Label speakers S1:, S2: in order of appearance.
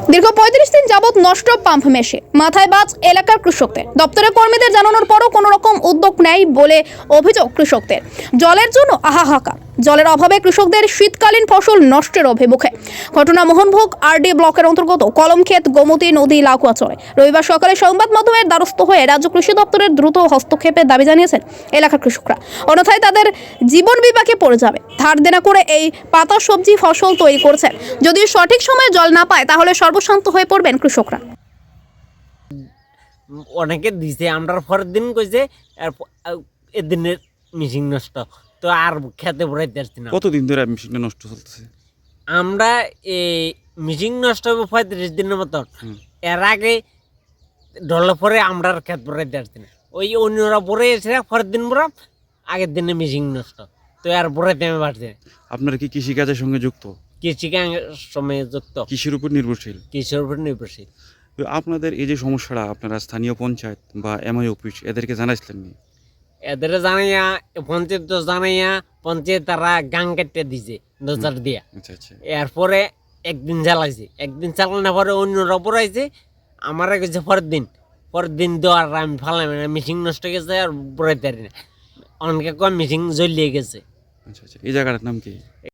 S1: দীর্ঘ ৩৫ দিন যাবৎ নষ্ট পাম্প মেশিন, মাথায় বাজ এলাকার কৃষকদের। দপ্তরের কর্মীদের জানানোর পরও কোনো রকম উদ্যোগ নেই বলে অভিযোগ কৃষকদের। জলের জন্য হাহাকার, জলের অভাবে কৃষকদের শীতকালীন ফসল নষ্টের অভিমুখে। ঘটনা মোহনভোগ আরডি ব্লকের অন্তর্গত কলমক্ষেত, গোমতী নদী, লাকুয়াচরে। রবিবার সকালে সংবাদ মাধ্যমের দ্বারস্থ হয়ে রাজ্য কৃষি দপ্তরের দ্রুত হস্তক্ষেপের দাবি জানিয়েছেন এলাকার কৃষকরা। অন্যথায় তাদের জীবন বিপাকে পড়ে যাবে। ধার দেনা করে এই পাতা সবজি ফসল তৈরি করছেন। যদি সঠিক সময়ে জল না পায় তাহলে সর্বশান্ত হয়ে পড়বেন কৃষকরা।
S2: অনেকে দিছে, আমরা পরের দিন কইছে এদিনের মিশিং নষ্ট, তো আর খেতে পড়াইতে আসছি না।
S3: কতদিন ধরে মেশিনটা নষ্ট চলতেছে?
S2: আমরা এই মিশিং নষ্ট হবে 35 দিনের মতন। এর আগে ডলে পরে আমরা আর খেত পড়াইতে আসছি না। ওই অন্যরা পরে এসে পরের দিন পরা আগের দিনে মিশিং নষ্ট, তো আর পড়াইতে আমি পারছি না।
S3: আপনারা কি কৃষিকাজের সঙ্গে যুক্ত?
S2: কৃষিকাজের সময় যুক্ত,
S3: কৃষির উপর নির্ভরশীল?
S2: কৃষির উপর নির্ভরশীল।
S3: তো আপনাদের এই যে সমস্যাটা আপনারা স্থানীয় পঞ্চায়েত বা এমআই অফিস এদেরকে জানাইছিলেন নি?
S2: এদের জানাইয়া পঞ্চায়েত তো জানাইয়া পঞ্চায়েত তারা গাং কেটে দিছে নজর দিয়া।
S3: আচ্ছা আচ্ছা।
S2: এরপরে একদিন চালাইছে, একদিন চালানোর পরে অন্যরা পড়াইছে, আমার গেছে পরের দিন দেওয়ার আমি ফালাম না, মিশিং নষ্ট গেছে আর পড়াইতে পারি না। অনেকে কম মিশিং জ্বলিয়ে গেছে।
S3: আচ্ছা আচ্ছা। এই জায়গাটার নাম কি?